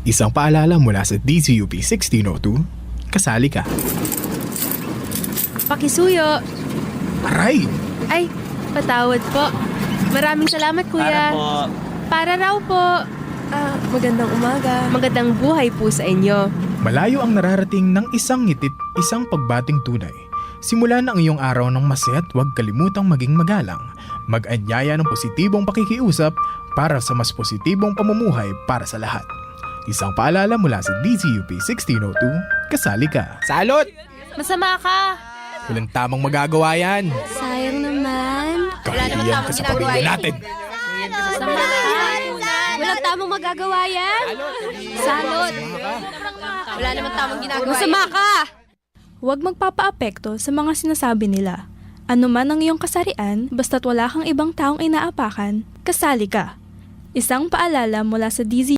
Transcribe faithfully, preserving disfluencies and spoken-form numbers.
Isang paalala mula sa D Z U P sixteen oh two, kasali ka. Pakisuyo. Aray! Ay, patawad po. Maraming salamat, kuya. Para po. Para raw po. Ah, magandang umaga. Magandang buhay po sa inyo. Malayo ang nararating ng isang ngitit, isang pagbating tunay. Simula na ang iyong araw ng masaya at huwag kalimutang maging magalang. Mag-anyaya ng positibong pakikiusap para sa mas positibong pamumuhay para sa lahat. Isang paalala mula sa D Z U P sixteen oh two, kasali ka. Salot! Masama ka. Walang tamang magagawa yan. Sayang naman. Kahiyan ka sa pamilya natin. Masama ka. Walang tamang magagawa yan. Salot. Wala naman tamang ginagawa. Masama ka. Huwag magpapaapekto sa mga sinasabi nila. Ano man ang iyong kasarian, basta't wala kang ibang taong inaapakan, kasali ka. Isang paalala mula sa D Z